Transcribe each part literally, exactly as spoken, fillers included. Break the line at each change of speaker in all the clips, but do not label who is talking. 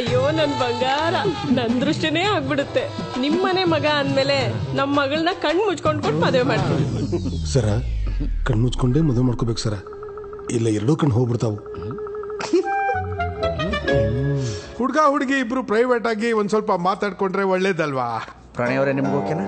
ಅಯ್ಯೋ ನನ್ ಬಂಗಾರ, ನನ್ ದೃಷ್ಟಿನೇ ಆಗ್ಬಿಡುತ್ತೆ. ನಿಮ್ಮನೆ ಮಗ ಅಂದ್ಮೇಲೆ ನಮ್ ಮಗಳನ್ನ ಕಣ್ ಮುಚ್ಕೊಂಡ್ ಕೊಟ್ಟು ಮದುವೆ ಮಾಡ್ತೀವಿ.
ಸರ, ಕಣ್ ಮುಚ್ಕೊಂಡೇ ಮದುವೆ ಮಾಡ್ಕೋಬೇಕು ಸರ, ಇಲ್ಲ ಎರಡೂ ಕಣ್ ಹೋಗ್ಬಿಡ್ತಾವು.
ಹುಡುಗ ಹುಡುಗಿ ಇಬ್ರು ಪ್ರೈವೇಟ್ ಆಗಿ ಒಂದ್ ಸ್ವಲ್ಪ ಮಾತಾಡ್ಕೊಂಡ್ರೆ ಒಳ್ಳೇದಲ್ವಾ?
ಪ್ರಣಯ್ ಅವರೇ, ನಿಮ್ಗೆ ಓಕೆನಾ?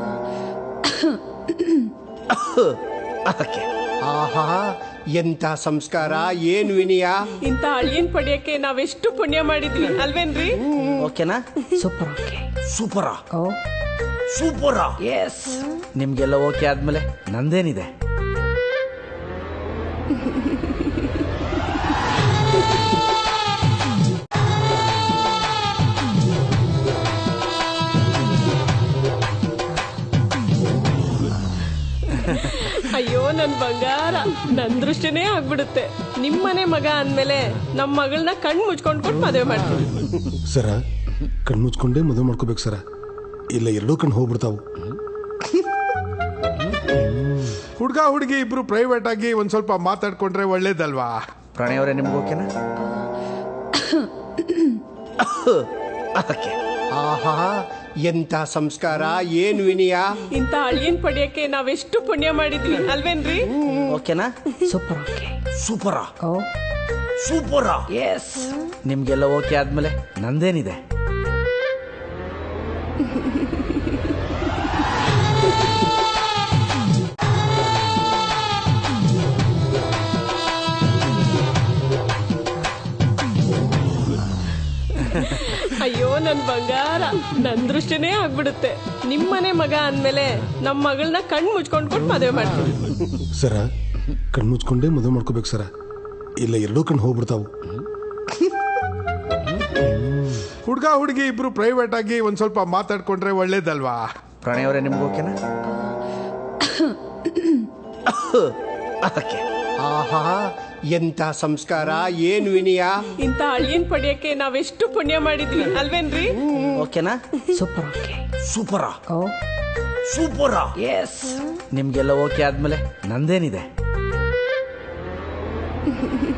ಆಹಾ, ಎಂತ ಸಂಸ್ಕಾರ, ಏನ್ ವಿನಯ.
ಇಂತ ಅಳಿಯನ್ ಪಡೆಯಕ್ಕೆ ನಾವೆಷ್ಟು ಪುಣ್ಯ ಮಾಡಿದ್ವಿ ಅಲ್ವೇನ್ರಿ?
ಓಕೆನಾ?
ಸೂಪರ್. ಓಕೆ.
ಸೂಪರಾ?
ಓ
ಸೂಪರಾ?
ಎಸ್.
ನಿಮ್ಗೆಲ್ಲ ಓಕೆ ಆದ್ಮೇಲೆ ನಂದೇನಿದೆ?
ಅಯ್ಯೋ ನನ್ ಬಂಗಾರ, ನನ್ ದೃಷ್ಟಿನೇ ಆಗ್ಬಿಡುತ್ತೆ. ನಿಮ್ಮನೆ ಮಗ ಅಂದ್ಮೇಲೆ ನಮ್ ಮಗಳನ್ನ ಕಣ್ ಮುಚ್ಕೊಂಡ್ ಕೊಟ್ಟು ಮದುವೆ ಮಾಡ್ತೀವಿ.
ಸರ, ಕಣ್ ಮುಚ್ಕೊಂಡೇ ಮದುವೆ ಮಾಡ್ಕೋಬೇಕು ಸರ, ಇಲ್ಲ ಎರಡೂ ಕಣ್ ಹೋಗ್ಬಿಡ್ತಾವು.
ಹುಡುಗ ಹುಡುಗಿ ಇಬ್ರು ಪ್ರೈವೇಟ್ ಆಗಿ ಒಂದ್ ಸ್ವಲ್ಪ ಮಾತಾಡ್ಕೊಂಡ್ರೆ ಒಳ್ಳೇದಲ್ವಾ?
ಪ್ರಣಯ್ ಅವರೇ, ನಿಮ್ಗೆ ಓಕೆನಾ?
ಆಹಾ, ಎಂತ ಸಂಸ್ಕಾರ, ಏನ್ ವಿನಯ.
ಇಂತ ಅಳಿಯನ್ ಪಡೆಯಕ್ಕೆ ನಾವೆಷ್ಟು ಪುಣ್ಯ ಮಾಡಿದ್ವಿ ಅಲ್ವೇನ್ರಿ?
ಓಕೆನಾ?
ಸೂಪರ್. ಓಕೆ.
ಸೂಪರಾ?
ಓ
ಸೂಪರಾ?
ಎಸ್.
ನಿಮ್ಗೆಲ್ಲ ಓಕೆ ಆದ್ಮೇಲೆ ನಂದೇನಿದೆ?
ಅಯ್ಯೋ ನನ್ ಬಂಗಾರ, ನನ್ ದೃಷ್ಟಿನೇ ಆಗ್ಬಿಡುತ್ತೆ. ನಿಮ್ಮನೆ ಮಗ ಅಂದ್ಮೇಲೆ ನಮ್ ಮಗಳನ್ನ ಕಣ್ ಮುಚ್ಕೊಂಡ್ ಕೊಟ್ಟು ಮದುವೆ ಮಾಡ್ತೀವಿ.
ಸರ, ಕಣ್ ಮುಚ್ಕೊಂಡೇ ಮದುವೆ ಮಾಡ್ಕೋಬೇಕು ಸರ, ಇಲ್ಲ ಎರಡೂ ಕಣ್ ಹೋಗ್ಬಿಡ್ತಾವು.
ಹುಡುಗ ಹುಡುಗಿ ಇಬ್ರು ಪ್ರೈವೇಟ್ ಆಗಿ ಒಂದ್ ಸ್ವಲ್ಪ ಮಾತಾಡ್ಕೊಂಡ್ರೆ ಒಳ್ಳೇದಲ್ವಾ?
ಪ್ರಣಯ್ ಅವರೇ, ನಿಮ್ಗೆ ಓಕೆನಾ?
ಆಹಾ, ಎಂತ ಸಂಸ್ಕಾರ, ಏನ್ ವಿನಯ.
ಇಂತ ಅಳಿಯನ್ ಪಡೆಯಕ್ಕೆ ನಾವೆಷ್ಟು ಪುಣ್ಯ ಮಾಡಿದ್ವಿ ಅಲ್ವೇನ್ರಿ?
ಓಕೆನಾ?
ಸೂಪರ್. ಓಕೆ.
ಸೂಪರಾ?
ಓ
ಸೂಪರಾ?
ಎಸ್.
ನಿಮ್ಗೆಲ್ಲ ಓಕೆ ಆದ್ಮೇಲೆ ನಂದೇನಿದೆ?